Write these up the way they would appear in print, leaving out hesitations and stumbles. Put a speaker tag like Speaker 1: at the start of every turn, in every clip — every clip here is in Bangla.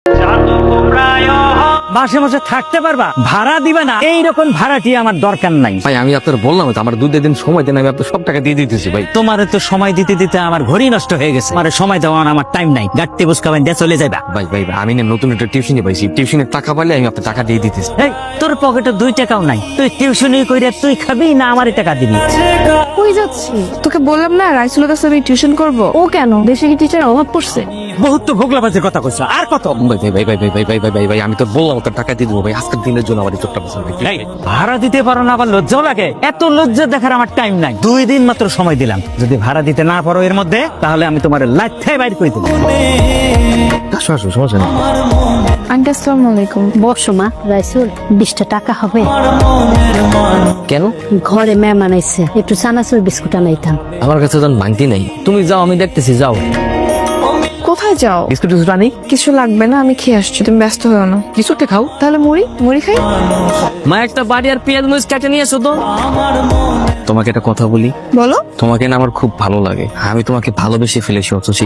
Speaker 1: মাসে মাসে থাকতে পারবা, ভাড়া দিবে না, এইরকম ভাড়াটি আমার দরকার নাই।
Speaker 2: ভাই আমি আপনার বললাম তো আমার 2 দিন সময় দেন, আমি আপনার সব টাকা দিয়ে দিতেছি ভাই।
Speaker 1: তোমারে তো সময় দিতে দিতে আমার ঘড়ি নষ্ট হয়ে গেছে, আমার সময় দেওয়ার আমার টাইম নাই। গাড়তে বুঝকাবেন দিয়ে চলে যাবা।
Speaker 2: ভাই ভাই ভাই, আমি না নতুন একটা টিউশনি পাইছি, টিউশনের টাকা পাইলে আমি আপনার টাকা দিয়ে দিতেছি।
Speaker 1: এই তোর পকেটে 2 টাকাও নাই, তুই টিউশনি কইরা তুই খাবি না আমারই টাকা দিবি?
Speaker 3: কই যাচ্ছি? তোকে বললাম না রাইসুলের কাছে আমি টিউশন করব। ও কেন, দেশে কি টিচার অভাব পড়ছে?
Speaker 1: বহুত তো ভোগলাবাজের কথা কইছ, আর কত?
Speaker 2: ভাই ভাই ভাই ভাই ভাই ভাই ভাই ভাই ভাই ভাই, আমি তো বললাম তোর টাকা দিয়ে দেবো ভাই, আজকের দিনের জন্য আমার এই চোখটা পছন্দ।
Speaker 1: এই, ভাড়া দিতে পারো না আবার লজ্জাও লাগে? এত লজ্জা দেখার আমার টাইম নাই। 2 দিন মাত্র সময় দিলাম, যদি ভাড়া দিতে না পারো এর মধ্যে, তাহলে আমি তোমার লাইফে বাইর করে দেবো।
Speaker 2: আসো আসো, সমস্যা নেই।
Speaker 3: আন্টি আসসালামু আলাইকুম।
Speaker 4: বসো মা। রাইসুল 20টা টাকা হবে?
Speaker 2: কেন?
Speaker 4: ঘরে মেহমান আইছে, একটু চানাচুর বিস্কুট আনাইতাম।
Speaker 2: আমার কাছে তো ভাঙতি নাই, তুমি যাও আমি দেখতেছি, যাও।
Speaker 3: কোথায় যাও?
Speaker 2: বিস্কুট টিস্কুট আনি।
Speaker 3: কিছু লাগবে না, আমি খেয়ে আসছি, তুমি ব্যস্ত হও না।
Speaker 2: কিছুটা খাও।
Speaker 3: তাহলে মুড়ি মুড়ি খাই।
Speaker 2: মা একটা বাড়ি আর পেঁয়াজ মরিচ কেটে নিয়ে এসো তো। তোমাকে একটা কথা বলি,
Speaker 3: বলো।
Speaker 2: তোমাকে না আমার খুব ভালো লাগে, আমি তোমাকে ভালোবেসে ফেলেছি অথচি।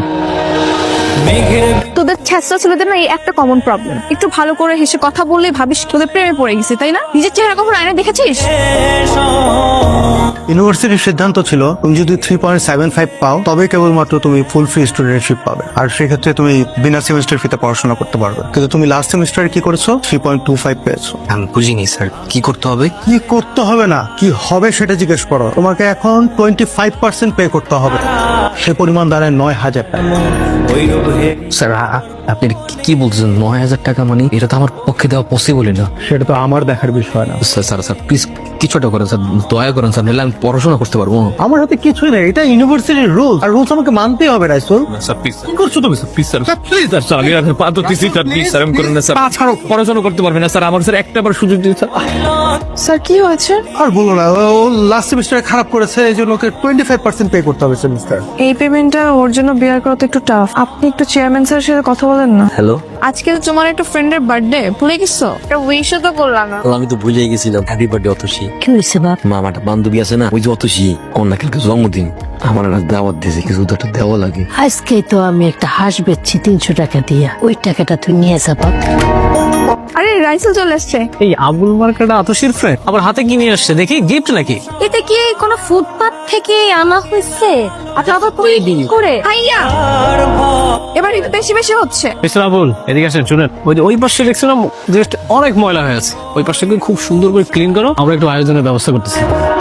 Speaker 3: তোদের ছেঁচড়া ছেলেদের না এই একটা কমন প্রবলেম, একটু ভালো করে হেসে কথা বললেই ভাবিস তোদের প্রেমে পড়ে গেছে, তাই না? নিজের চেহারা কখনো আয়না দেখেছিস?
Speaker 5: ইউনিভার্সিটির সিদ্ধান্ত ছিল তুমি যদি 3.75 পাও তবে কেবলমাত্র তুমি ফুল ফ্রি স্টুডেন্টশিপ পাবে, আর সেক্ষেত্রে তুমি বিনা সেমিস্টার ফিতে পড়াশোনা করতে পারবে। কিন্তু তুমি লাস্ট সেমিস্টারে কি করেছো? 3.25 পেয়েছো।
Speaker 2: আমি বুঝিনি স্যার, কি করতে হবে?
Speaker 5: কি করতে হবে না, কি হবে সেটা জিজ্ঞেস করো। তোমাকে এখন 25% পে করতে হবে, সে পরিমাণ দাঁড়ায় 9,000 টাকা।
Speaker 2: স্যার আপনি কি বলছেন? 9,000 টাকা মানে এটা তো আমার পক্ষে দেওয়া পসিবলই না।
Speaker 5: সেটা তো আমার দেখার বিষয় না।
Speaker 2: স্যার স্যার স্যার প্লিজ কিছুটা করেন স্যার, দয়া করেন স্যার, নাহলে আমি পড়াশোনা করতে পারবো না।
Speaker 5: আমার হাতে কিছুই নেই, এটা ইউনিভার্সিটির রুলস, আর রুলস আমাকে মানতেই হবে। রাইসুল
Speaker 2: স্যার প্লিজ, কি করছো তুমি? প্লিজ স্যার, প্লিজ স্যার, আমি আপনার পা ধরতেছি স্যার, প্লিজ স্যার, আমি করেন না স্যার। ছাড়ো, পড়াশোনা করতে পারবে না স্যার, আমার স্যার একটা বার সুযোগ দিন স্যার।
Speaker 3: স্যার কি হয়েছে?
Speaker 5: আর বলো না, ও লাস্ট সেমিস্টারে খারাপ করেছে, এই জন্য ওকে 25% পে করতে হবে সেমিস্টার।
Speaker 3: এই পেমেন্টটা ওর জন্য বেয়ার করা তো একটু টাফ। আপনি একটু চেয়ারম্যান স্যারের সাথে কথা বলেন না।
Speaker 2: হ্যালো,
Speaker 3: আজকে তো তোমার একটা ফ্রেন্ডের বার্থডে, ভুলে গেছো? একটা উইশও তো করলাম না।
Speaker 2: আমি তো ভুলে গেছিলাম। Happy birthday Atasi.
Speaker 4: কি হয়েছে বাপ?
Speaker 2: মা, আমার একটা বান্ধবী আছে না, ওই যে অতসী, ওর না কালকে জন্মদিন, আমার একটা দাওয়াত দিয়েছে, কিছু তো একটা দেওয়া লাগে।
Speaker 4: আজকে তো আমি একটা হাঁস বেচছি 300 টাকা দিয়া, ওই টাকাটা তুই নিয়ে যা বাপ।
Speaker 3: আরে রাইসেল চলে আসছে।
Speaker 1: এই আবুল মার্কেটা আতসীর ফ্রেন্ড আবার হাতে কি নিয়ে আসছে দেখি, গিফট নাকি?
Speaker 4: এটা কি কোনো ফুটপাত থেকে আনা হয়েছে? আচ্ছা আবার করে
Speaker 3: হাইয়া, এবার একটু বেশি বেশি হচ্ছে।
Speaker 6: মিস্টার আবুল, এদিকে আসেন, শুনেন। ওই পাশে দেখছিলাম জাস্ট অনেক ময়লা হয়ে আছে, ওই পাশটাকে খুব সুন্দর করে ক্লিন করো, আমরা একটু আয়োজনের ব্যবস্থা করতেছি।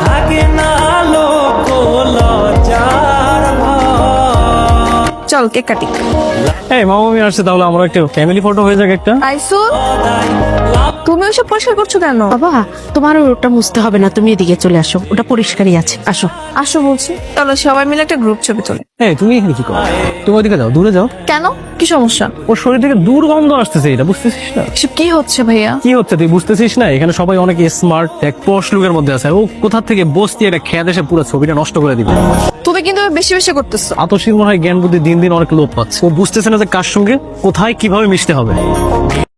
Speaker 3: চল কেক কাটি।
Speaker 6: এই মামামি আসছে, তাহলে আমরা একটা ফ্যামিলি ফটো হয়ে যাক একটা।
Speaker 3: রাইসুল, তুমি ওইসব পরিষ্কার করছো কেন?
Speaker 4: বাবা, তোমার ওটা মুছতে হবে না, তুমি এদিকে চলে আসো, ওটা পরিষ্কারই আছে, আসো।
Speaker 3: আসো বলছি। চলো সবাই মিলে একটা গ্রুপ ছবি তোলে।
Speaker 6: এই তুমি এখানে কি করো? তুমি ওইদিকে যাও, দূরে যাও।
Speaker 3: কেন, কি সমস্যা?
Speaker 6: ওর শরীর থেকে দুর্গন্ধ আসতেছে, এটা বুঝতেছিস না?
Speaker 3: এসব কি হচ্ছে ভাইয়া?
Speaker 6: কি হচ্ছে তুই বুঝতেছিস না? এখানে সবাই অনেক স্মার্ট, এক পশ লুকের মধ্যে আছে, ও কোথা থেকে বসতি একটা খেয়াল এসে পুরো ছবিটা নষ্ট করে দিবে।
Speaker 3: তুমি কিন্তু বেশি বেশি করতেছো।
Speaker 6: আতসীর মনে হয় জ্ঞান বুদ্ধি দিন দিন অনেক লোপ পাচ্ছে, ও বুঝতেছে না যে কার সঙ্গে কোথায় কিভাবে মিশতে হবে।